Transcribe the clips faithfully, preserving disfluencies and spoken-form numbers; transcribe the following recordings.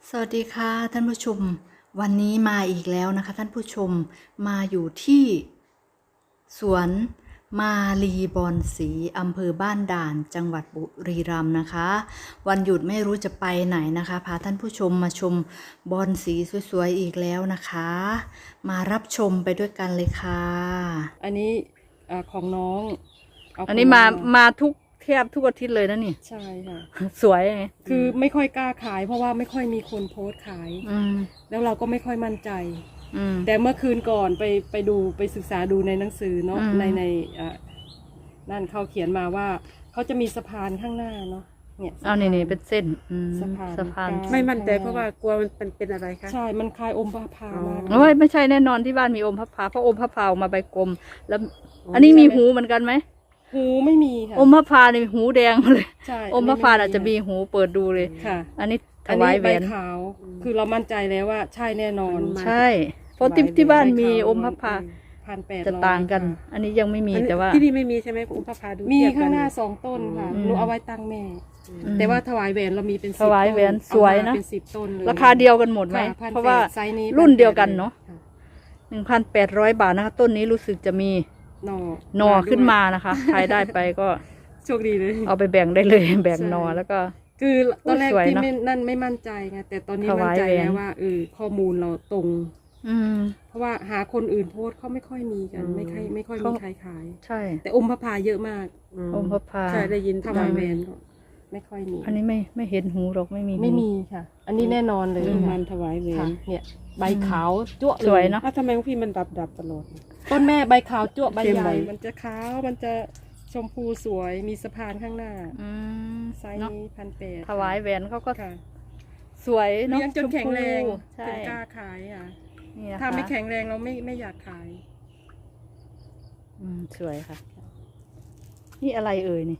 สวัสดีค่ะท่านผู้ชมวันนี้มาอีกแล้วนะคะท่านผู้ชมมาอยู่ที่สวนมาลีบอนสีอำเภอบ้านด่านจังหวัดบุรีรัมย์นะคะวันหยุดไม่รู้จะไปไหนนะคะพาท่านผู้ชมมาชมบอนสีสวยๆอีกแล้วนะคะมารับชมไปด้วยกันเลยค่ะอันนี้อ่าของน้องเอันนี้มามาทุกแทบทุกอาทิตย์เลยนะนี่ใช่ค่ะสวยไงคือไม่ค่อยกล้าขาย เพราะว่าไม่ค่อยมีคนโพสต์ขายอืมแล้วเราก็ไม่ค่อยมั่นใจอืมแต่เมื่อคืนก่อนไปไปดูไปศึกษาดูในหนังสือเนาะอืมในในอ่านั่นเขาเขียนมาว่าเขาจะมีสะพานข้างหน้าเนาะเนี่ยเอานี่นี่เป็นเส้นอืมสะพานสะพานกลางไม่มั่นใจเพราะว่ากลัวมันเป็นเป็นอะไรคะใช่มันคล้ายอมพระพามากโอ้ยไม่ใช่แน่นอนที่บ้านมีอมพระพาเพราะอมพระพาออกมาใบกลม แล้ว อันนี้มีหูเหมือนกันไหมหูไม่มีค่ะอมพระพานี่หูแดงมาเลยใช่อมพระพาอาจจะมีหูเปิดดูเลยค่ะอันนี้ถอันวานี้ยแหใบวนขาว คือเรามั่นใจแล้วว่าใช่แน่นอนใช่ เพราะที่ที่บ้านมีอมพระพาพันแปดจะต่างกัน อันนี้ยังไม่มีอันนี้แต่ว่าที่นี่ไม่มีใช่ไหมอุปภาดูมีเทียบกัข้างหน้าสองต้นค่ะอืมหนูเอาไว้ตั้งแม่อืมแต่ว่าถวายแหวนเรามีเป็นสิบถวายแหวนต้สวยนะเอามาเป็นสิบต้นเลยราคาเดียวกันหมดไหมค่พันแปดเพราะว่าไซส์นี้รุ่นเดียวกันเนอะค่หนึ่งพันแปดร้อยบาทนะคะ ต้นนี้รู้สึกจะมีหนอหนอขึ้นมานะคะใครได้ไปก็โชคดีเลยเอาไปแบ่งได้เลย แบ่งหนอแล้วก็คือตอนแรกสวยที่เนอะไม่นั่นไม่มั่นใจไงแต่ตอนนี้ถมั่วาน ยใจแหวนแล้วว่าเออข้อมูลเราตรงอืมเพราะว่าหาคนอื่นโพสต์เขาไม่ค่อยมีกัน ไม่ค่อยไม่ค่อยมีเขาใครขายใช่แต่อมพระพาเยอะมากอมพระพาใช่ได้ยินถวายแหวนก็ไม่ค่อยมีอันนี้ไม่ไม่เห็นหูหรอกไม่มีหูไม่มีค่ะ อันนี้แน่นอนเลยเรื่องค่ะมันถวายเวค่ะรเนี่ยใบขาวจั่วเลยสวยเนอะอ้าวทำไมของพี่มันดับดับตลอดต้นแม่ใบขาวจั่วใบเข้มใหใบญ่ มันจะขาว มันจะชมพูสวย มีสะพานข้างหน้าอืมไซส์เนาะนี้พันแปดถวายแหวนเขาก็ค่ะสวยเนาะเลี้ยงจนแข็งแรงชมพูใช่จนกล้าขายอ่ะนี่นะคะถ้าไม่แข็งแรงเราไม่ไม่อยากขายอืมสวยค่ะ นี่อะไรเอ่ยนี่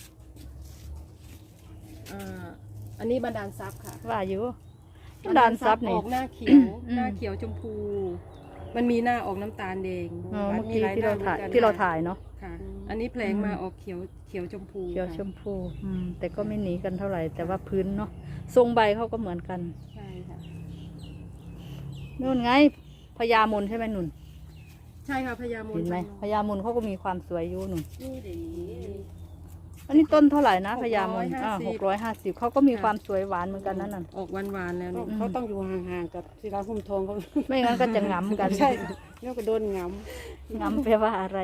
อ่า อันนี้บันดาลซับค่ะว่าอยู่ด่านซับอนี่อกหน้าเขียวอืมหน้าเขียวชมพู มันมีหน้าออกน้ำตาลแดงอ๋อเมื่อกี้หลที่เราหน้ถ่ายหมือนกันที่เราถ่ายเนาะค่ะ อันนี้แผลงอืมมาออกเขียวเขียวชมพูเขียวค่ะชมพูอืมแต่ก็ไม่หนีกันเท่าไหร่ แต่ว่าพื้นเนาะทรงใบเขาก็เหมือนกันใช่ค่ะนู่นไงพญามนใช่ไหมนุ่นใช่ค่ะพญามเห็นไหมพญามนเขาก็มีความสวยอยู่นุ่นนี่ดีอันนี้ต้นเท่าไหร่นะพญามนหกร้อยห้าสิบอ่าหกร้อยห้าสิบเขาก็มีความสวยหวานเหมือนกันนั่นน่ะออกหวานๆแล้วนี่เขาต้องอยู่ห่างๆกับที่ร้านหุ้มทองเขาไม่งั้นก็จะงำกันใช่แล้วก็โดนงงำแปลว่าอะไร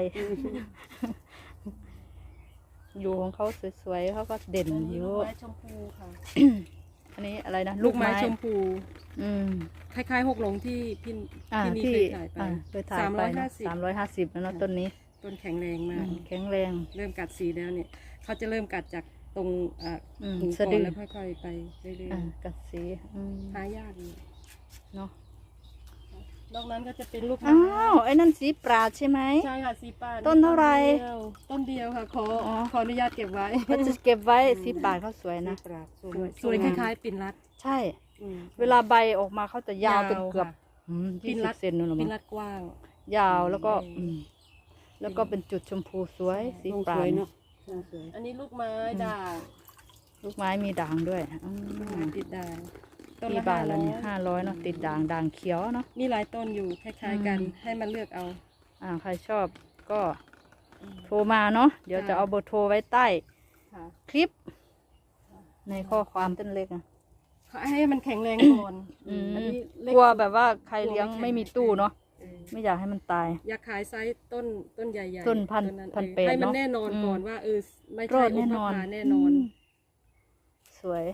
อยู่ของเขาสวยๆเขาก็เด่นอันนี้อยู่ลูกไม้ชมพูค่ะอันนี้อะไรนะลูกไม้ชมพูอืมคล้ายๆหกหลงที่พี่อ่าที่นี่ที่เคยถ่ายไปอ่าเคยถ่ายสามไปร้อยนะห้าสิบสามร้อยห้าสิบแล้วเนอะต้นนี้ต้นแข็งแรงอืมากมแข็งแรงเริ่มกัดสีแล้วเนี่ยเขาจะเริ่มกัดจากตรงอ่าอืมหูสะก่อดืนอแล้วค่อยๆไปเรื่อยอ่ากัดสีอืมๆหายากอยู่เนาะนอกนั้นก็จะเป็นลูกอ้าวไอ้นั่นสีปราดใช่ไหมใช่ค่ะสีปานต้นเท่าไหร่เดียวต้นเดียวค่ะขออ๋อขออนุญาตเก็บไว้เขาจะเก็บไว้สีปราดเขาสวยำนะปราบสสวยสวยคล้ายๆปิ่นรัดใช่อืมเวลาใบออกมาเขาจะยาวเป็นยาวเกือบค่ะอืมปิ้ยี่นสิรับดเซนนู่นหรอปิ่มั้นงรัดกว้างยาวแล้วก็อืมอืมแล้วก็เป็นจุดชมพูสวยสีทรงปราสวยดเนาะทรงสวยอันนี้ลูกไม้ด่างลูกไม้มีด่างด้วยอืลูกมไม้ติดด่างต้นกี่ละบาทแล้วเนี่ยห้าห้าร้ร้ออย ยเนาะติดด่างด่างเขียวเนาะมีหลายต้นอยู่คล้ายๆกันอืมให้มันเลือกเอาอ่าใครชอบก็โทรมาเนาะเดี๋ยวจะเอาเบอร์โทรไว้ใต้ค่ะคลิป ในข้อความต้นเล็กอะให้มันแข็งแรงก่อนอืมอันนี้เล็กลัวแบบว่าใครเลี้ยงไม่มีตู้เนาะเออไม่อยากให้มันตายอยากขายไซส์ต้นต้นใหญ่ๆต้นพันนั้นพันเออแปดให้มันเนอะแน่นอนอืมก่อนว่าเออไม่รใช่อดอุแน่ปนอนทานแน่นอนมสวย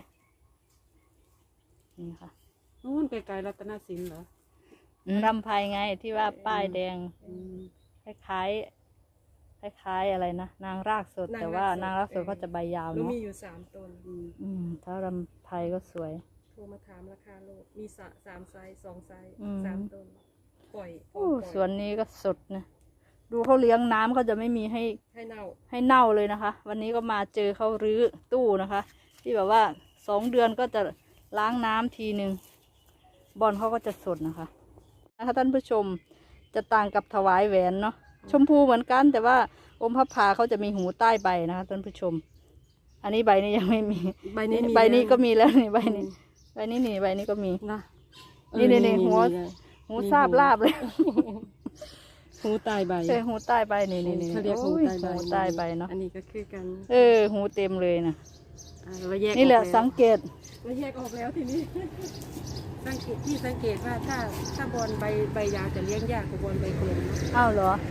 นี่ค่ะนู่นไกลๆรัตนสินเหรอรำไพไงที่ว่าป้ายแดงอืมคล้ายๆคล้ายๆอะไรนะนางรากสดนางแต่ว่ารากสดนางรากสดเออเขาจะใบยาวหนูเนาะมีอยู่สามต้นอืมอืมถ้ารำไพก็สวยโทรมาถามราคาโลกมีสะสามไซส์สองไซส์อืมสามต้นปล่อยโอ้ปล่อยสวนนี้ก็สดนะดูเขาเลี้ยงน้ำเขาจะไม่มีให้ให้เน่าให้เน่าเลยนะคะ วันนี้ก็มาเจอเขารื้อตู้นะคะ ที่แบบว่าสองเดือนก็จะล้างน้ำทีหนึ่งบอลเขาก็จะสดนะคะนะคะท่านผู้ชมจะต่างกับถวายแหวนเนาะชมพูเหมือนกันแต่ว่าอมพับผาเขาจะมีหูใต้ใบนะคะท่านผู้ชม อันนี้ใบนี้ยังไม่มีใบนี้มีใบนี้แล้วก็มีแล้วนี่ใบนี้อืมใบนี้นี่ใบนี้ก็มีนะนี่นี่นี่หัวเลยหูซาบลาบเลยหูตายใบเออหูใต้ใบนี่นี่นี่เขาเรียกหูโอ้ยตายใบหูใต้ใบเนาะอันนี้ก็คือกันเออหูเต็มเลยนะอ่าเราแยกนี่แหละออกวสังเกตเราแยกออกแล้วทีนี้ สังเกตที่สังเกตว่าถ้าถ้าบอลใบใบยาวจะเลี้ยงยากกว่าบอลใบกลมอ้าวเหรอ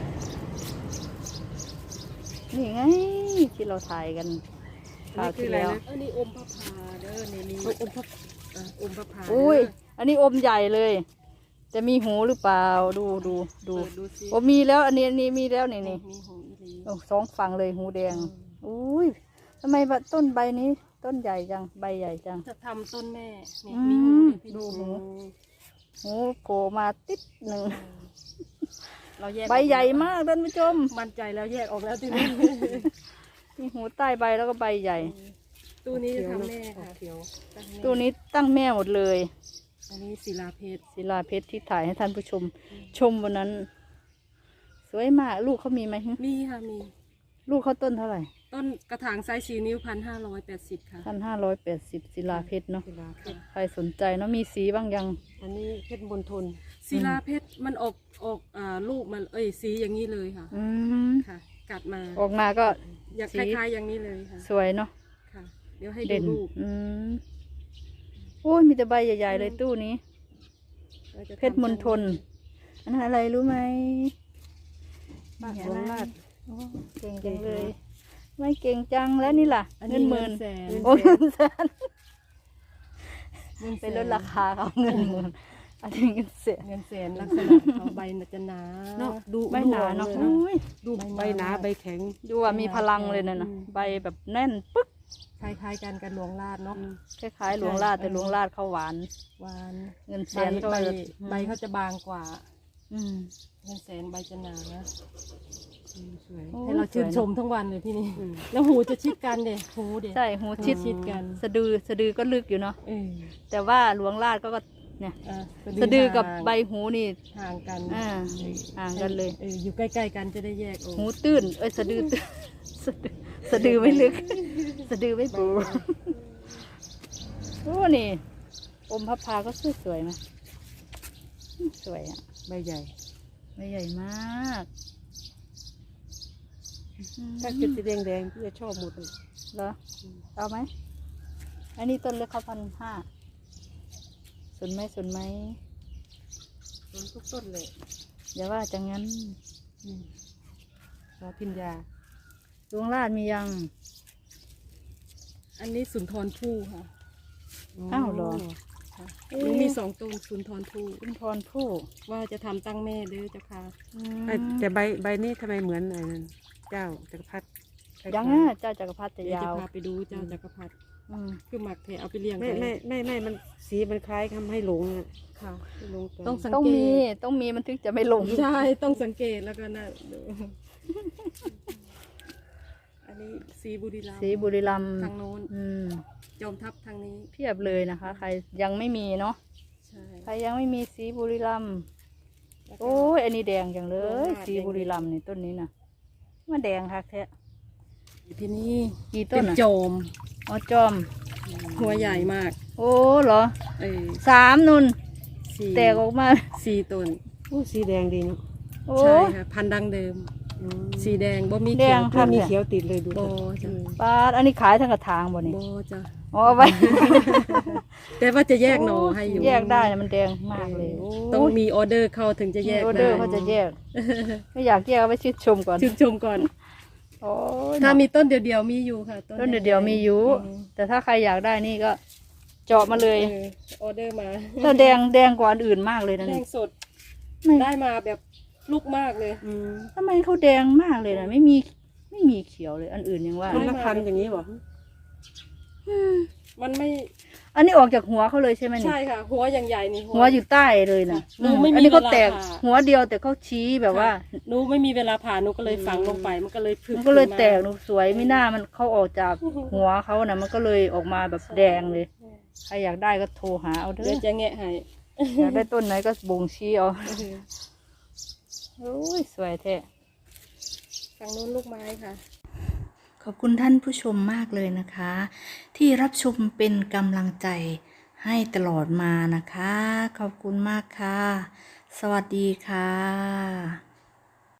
นี่ไงที่เราถ่ายกันคราวที่แล้วอันนี้อมพระพาเด้อในนี้อมพระอ่าอมพระพาอุ้ยเด้อันนี้อมใหญ่เลย จะมีหูหรือเปล่า ดูดูดูเปิดดูสิโอ้มีแล้ว อันนี้อันนี้มีแล้วนี่นี่มีหูอีหลีโอ้สองฝั่งเลยหูแดง อุ้ยทำไมต้นใบนี้ ต้นใหญ่จัง ใบใหญ่จังจะทำต้นแม่นี่อืมมีหูเลยพี่ดูหูอืมหูโผล่มาติดหนึ่งเราแยกใบใหญ่มากท่านผู้ชมมั่นใจแล้วแยกออกแล้วทีนี้มีหูใต้ใบแล้วก็ใบใหญ่ตู้นี้จะทำแม่ค่ะเขียวตั้งแม่ตัวนี้ตั้งแม่หมดเลยอันนี้ศิลาเพชรศิลาเพชรที่ถ่ายให้ท่านผู้ชม ชมวันนั้น สวยมาก ลูกเขามีไหมฮึมีค่ะมีลูกเขาต้นเท่าไหร่ต้นกระถางไซส์สี่นิ้วพันห้าร้อยแปดสิบค่ะพันห้าร้อยแปดสิบศิลาเพชรเนาะศิลาเพชรใครสนใจเนาะมีสีบ้างยังอันนี้เพชรบนทนศิลาเพชรมันออกออกอ่าลูกมันเอ้ยสีอย่างนี้เลยค่ะอืมค่ะ กัดมาออกมาก็อยากสีคล้ายๆอย่างนี้เลยค่ะสวยเนาะค่ะ เดี๋ยวให้ดูเด่นลูกอืมโอ้ยมีแต่ใบใหญ่ๆเลยตู้นี้ราจะทำเพชรมณฑลอันนั้นอะไรรู้ไหมบ้านเห็หนลวงไหมราชโอ้เก่งจังเลย ไม่เก่งจังแล้วนี่ล่ะอันเงินี้นหเงิมื่นนแสนโอ้เงินแสนเงินแสเป็นลดราคาเขาเงินหมื่นอันนี้เงินแสนเงินแสนลักษณะเขาใบน่ะจะหนาเนาะดูใบหนาเนาะดูออกเลยโอ้ยดูใบหนาใบแข็งดูว่ามีพลังเลยนะนะใบแบบแน่นปึ๊กคล้ายๆกันกับหลวงลาดเนาะคล้ายๆหลวงลาดแต่หลวงลาดเขาหวานหวานเงินแสใบนก็ใบจะใบเขาจะบางกว่าอืมเงินแสนใบจะหนานะอืมสวยโอ้ให้เราชื่นชมทั้งวันเลยพี่นี่ แล้วหูจะชิดกันเด็หูเด็ใช่หูชิดชิดกันสะดือสะดือก็ลึกอยู่เนาะเออแต่ว่าหลวงลาดก็ก็เนี่ยอ่ะสะดือกับใบหูนี่ห่างกันอ่าห่างกันเลยเอออยู่ใกล้ๆกันจะได้แยกออกหูตื้น เอ้ยสะดือตื้นสะดือสะดือไม่ลึก สะดือไม่ปูโอ้นี่อมพับพาก็สวยสวยๆนะสวยอ่ะใบใหญ่ใบใหญ่มากถ้าเป็นสีแดงแดงๆพี่จะชอบหมดเลยเหรอเอาไหมอันนี้ต้นเล็กเขาพันห้าสนไหมสนไหมต้นทุกต้นเลยอย่าว่าจังงั้นอืมรอพิญญาดวงลาดมียังอันนี้สุนทรภู่ค่ะอ้าวเหรอหนูมีสองต้นสุนทรภู่คุณพรผู้ว่าจะทำตั้งแม่เด้อเจ้าค่ะไอ้แต่ใบใบนี้ทำไมเหมือนไอ้นั่นเจ้าจักรพรรดิยังอ่ะเจ้าจักรพรรดิจะเดี๋ยวยาจะวพาไปดูเจ้าจักรพรรดิอืมคือหมักเทเอาไปเลี้ยงไม่ไว้ไม่ไม่ไม่มันสีมันคล้ายทำให้หลงอะค่ะให้หลงกันต้องสังต้องเกมีตต้องมีมันถึงจะไม่หลงใช่ต้องสังเกตแล้วก็นะดูอันนี้สีบุรีรัมย์สีบุรีรัมย์ทางโน้นอืมจอมทัพทางนี้เพียบเลยนะคะ ใครยังไม่มีเนาะใช่ใครยังไม่มีสีบุรีรัมย์แล้วก็โอ้ยอันนี้แดงจังเลโอ้ยยสีบุรีรัมย์นี่ต้นนี้นะว่าแดงค่ะแท้ที่นี่กี่ต้เป็น นอ่ะโจมอ๋อจอมหัวใหญ่มากโอ้เหรอเออสามนุนสี่แตกออกมาสี่ต้นโอ้สีแดงดีเนาะโอ้ใช่ค่ะพันธุ์ดังเดิมอืมสีแดงบ่มีแดเขียงวค่ะมีเขียวติดเลยดูโบจ้ะปาดอันนี้ขายทั้งกระถางบ่นี่โบจ้ะอ๋อเอาไว้แต่ว่าจะแยกหน่อให้อยู่แยกได้นะมันแดงมากเลยโต้องมีออเดอร์เข้าถึงจะแยกออเดได้อร์เขาจะแยก ไม่อยากแยกเอาไว้ชื่นชมก่อนชื่นชมก่อนโอ้ยถ้ามีต้นเดียวๆมีอยู่ค่ะต้นเดียวๆมีอยู่อืมแต่ถ้าใครอยากได้นี่ก็ เจาะมาเลยเออออเดอร์มาถ้าแดงแดงกว่าอันอื่นมากเลยนะแดนี่งสดไม่ได้มาแบบลูกมากเลยอืมทำไมเขาแดงมากเลยนะไม่มีไม่มีเขียวเลย อันอื่นยังว่าคนละพันอย่างนี้บ่มันไม่อันนี้ออกจากหัวเขาเลยใช่ไหมนี่ใช่ค่ะ หัวอย่างใหญ่นี่หัวอยู่ใต้เลยนะหนูไม่มีอันนี้เขาแตกเวลาผ่าหัวเดียวแต่เขาชี้แบบว่าหนูไม่มีเวลาผ่าหนูก็เลยฝังลงไปมันก็เลยพึกมันก็เลยขึ้าแตกหนูสวยไม่น่ามันเขาออกจากหัวเขานะมันก็เลยออกมาแบบแดงเลยใครอยากได้ก็โทรหาเอาเด้เดี๋ยวอจะแงะให้อยากได้ต้นไหนก็บ่งชี้เอาโอ้ยสวยแท้ฝั่งโน้นลูกไม้ค่ะขอบคุณท่านผู้ชมมากเลยนะคะ ที่รับชมเป็นกำลังใจให้ตลอดมานะคะ ขอบคุณมากค่ะ สวัสดีค่ะ